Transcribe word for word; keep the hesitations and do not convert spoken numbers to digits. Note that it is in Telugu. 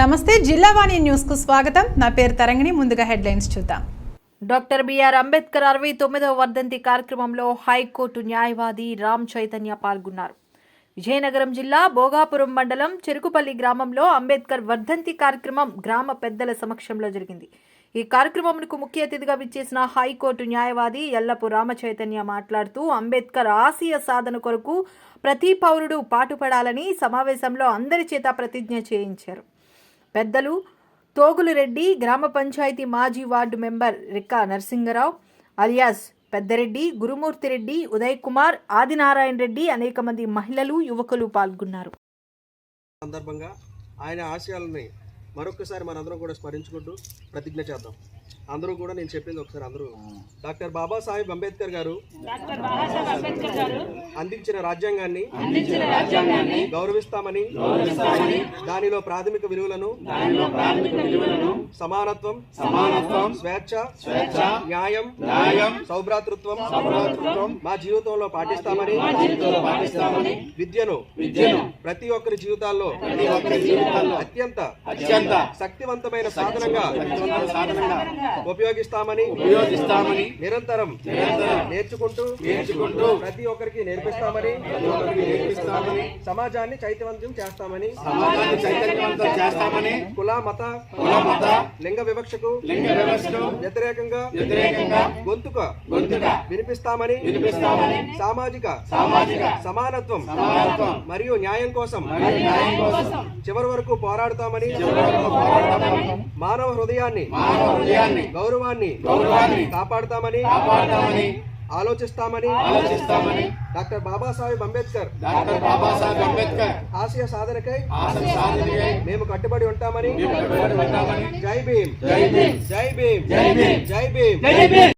నమస్తే, జిల్లావాణి న్యూస్ కు స్వాగతం. నా పేరు తరంగిణి. ముందుగా హెడ్లైన్స్ చూద్దాం. డాక్టర్ బిఆర్ అంబేద్కర్ అరవై తొమ్మిదవ వర్ధంతి కార్యక్రమంలో హైకోర్టు న్యాయవాది రామ్ చైతన్య పాల్గొన్నారు. విజయనగరం జిల్లా భోగాపురం మండలం చెరుకుపల్లి గ్రామంలో అంబేద్కర్ వర్ధంతి కార్యక్రమం గ్రామ పెద్దల సమక్షంలో జరిగింది. ఈ కార్యక్రమంకు ముఖ్య అతిథిగా విచ్చేసిన హైకోర్టు న్యాయవాది యల్లపు రామచైతన్య మాట్లాడుతూ అంబేద్కర్ ఆశయ సాధన కొరకు ప్రతి పౌరుడు పాటుపడాలని సమావేశంలో అందరి చేత ప్రతిజ్ఞ చేయించారు. పెద్దలు తోగులరెడ్డి, గ్రామ పంచాయతీ మాజీ ward member Rikka Narasingarao alias Peddareddy, Gurumurthyreddy, Uday Kumar, Adinarayana Reddy, అనేక మంది మహిళలు, యువకులు పాల్గొన్నారు. సందర్భంగా ఆయన ఆశయాలని మరొకసారి మనందరం కూడా స్మరించుకుంటూ ప్రతిజ్ఞ చేద్దాం. అందరూ కూడా నేను చెప్పింది ఒకసారి అందరూ డాక్టర్ బాబాసాహెబ్ అంబేద్కర్ గారు అందించిన రాజ్యాంగాన్ని గౌరవిస్తామని, దానిలో ప్రాథమిక విలువలను సమానత్వం, స్వేచ్ఛ, న్యాయం, సౌభ్రాతృత్వం మా జీవితంలో పాటిస్తామని, విద్యను ప్రతి ఒక్కరి జీవితాల్లో అత్యంత శక్తివంతమైన సాధనంగా ఉపయోగిస్తామని ఉపయోగిస్తామని నిరంతరం నేర్చుకుంటూ నేర్చుకుంటూ ప్రతి ఒక్కరికి నేర్పిస్తామని నేర్పిస్తామని సమాజాన్ని చైతన్యవంతం చేస్తామని సమాజాన్ని చైతన్యవంతం చేస్తామని కుల మత కుల మత లింగ వివక్షకు లింగ వివక్షకు వ్యతిరేకంగా వ్యతిరేకంగా గొంతుక గొంతుక వినిపిస్తామని వినిపిస్తామని సామాజిక సామాజిక సమానత్వం సమానత్వం మరియు న్యాయం కోసం న్యాయం కోసం చివరి వరకు పోరాడుతామని మానవ హృదయాన్ని మానవ హృదయాన్ని గౌరవాన్ని గౌరవాన్ని కాపాడుతామని కాపాడుతామని ఆలోచిస్తామని ఆలోచిస్తామని డాక్టర్ బాబాసాహెబ్ అంబేద్కర్ డాక్టర్ బాబాసాహెబ్ అంబేద్కర్ ఆశయ సాధనకై ఆశయ సాధనకై మేము కట్టుబడి ఉంటామని జై భీమ్ జై భీమ్ జై భీమ్ జై భీమ్ జై భీమ్ జై భీమ్.